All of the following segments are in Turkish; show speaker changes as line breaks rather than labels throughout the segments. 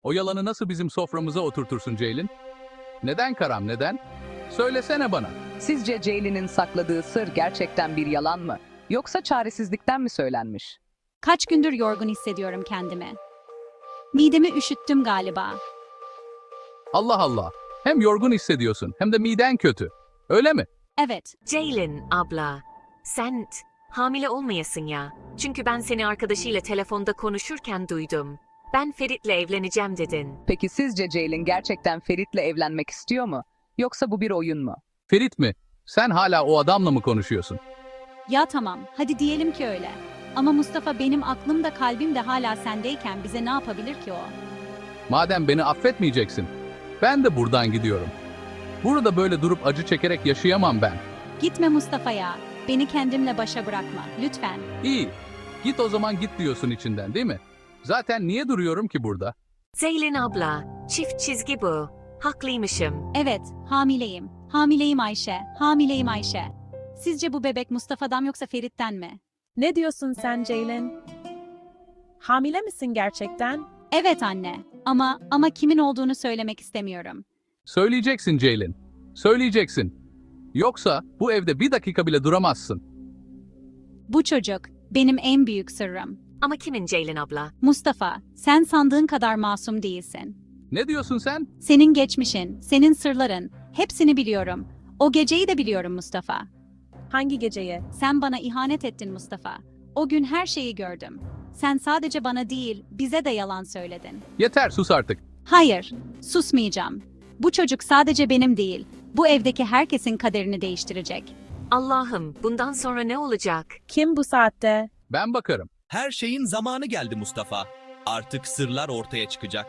O yalanı nasıl bizim soframıza oturtursun Ceylin? Neden Karam, neden? Söylesene bana.
Sizce Ceylin'in sakladığı sır gerçekten bir yalan mı? Yoksa çaresizlikten mi söylenmiş?
Kaç gündür yorgun hissediyorum kendimi. Midemi üşüttüm galiba.
Allah Allah. Hem yorgun hissediyorsun hem de miden kötü. Öyle mi?
Evet,
Ceylin abla, sen hamile olmayasın ya. Çünkü ben seni arkadaşıyla telefonda konuşurken duydum. Ben Ferit'le evleneceğim dedin.
Peki sizce Ceylin gerçekten Ferit'le evlenmek istiyor mu? Yoksa bu bir oyun mu?
Ferit mi? Sen hala o adamla mı konuşuyorsun?
ya tamam, hadi diyelim ki öyle. Ama Mustafa benim aklım da kalbim de hala sendeyken bize ne yapabilir ki o?
Madem beni affetmeyeceksin, ben de buradan gidiyorum. Burada böyle durup acı çekerek yaşayamam ben.
Gitme Mustafa ya, beni kendimle başa bırakma, lütfen.
İyi, git o zaman git diyorsun içinden değil mi? Zaten niye duruyorum ki burada?
Ceylin abla, çift çizgi bu. Haklıymışım.
Evet, hamileyim. Hamileyim Ayşe, hamileyim Ayşe. Sizce bu bebek Mustafa'dan yoksa Ferit'ten mi?
Ne diyorsun sen Ceylin? Hamile misin gerçekten?
Evet anne, ama kimin olduğunu söylemek istemiyorum.
Söyleyeceksin Ceylin, söyleyeceksin. Yoksa bu evde bir dakika bile duramazsın.
Bu çocuk benim en büyük sırrım.
Ama kimin Ceylin abla?
Mustafa, sen sandığın kadar masum değilsin.
Ne diyorsun sen?
Senin geçmişin, senin sırların, hepsini biliyorum. O geceyi de biliyorum Mustafa.
Hangi geceyi?
Sen bana ihanet ettin Mustafa. O gün her şeyi gördüm. Sen sadece bana değil, bize de yalan söyledin.
Yeter, sus artık.
Hayır, susmayacağım. Bu çocuk sadece benim değil, bu evdeki herkesin kaderini değiştirecek.
Allah'ım, bundan sonra ne olacak?
Kim bu saatte?
Ben bakarım.
Her şeyin zamanı geldi Mustafa. Artık sırlar ortaya çıkacak.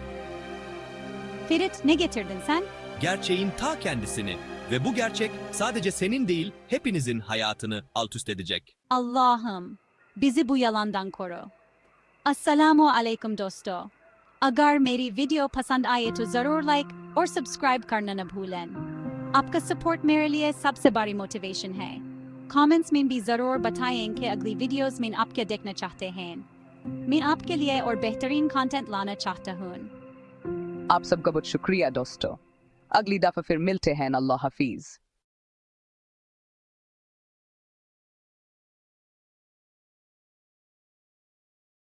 Ferit, ne getirdin sen?
Gerçeğin ta kendisini ve bu gerçek sadece senin değil, hepinizin hayatını alt üst edecek.
Allah'ım, bizi bu yalandan koru. Assalamu alaikum dosto. Agar meri video pasand aaye to zarur like और subscribe करना न भूलें। आपका support मेरे लिए सबसे बड़ी motivation है। Comments में भी ज़रूर बताएं कि अगली videos में आप क्या देखना चाहते हैं। मैं आपके लिए और बेहतरीन content लाना चाहता हूँ।
आप सबका बहुत शुक्रिया दोस्तों। अगली दफा फिर मिलते हैं। अल्लाह हाफिज।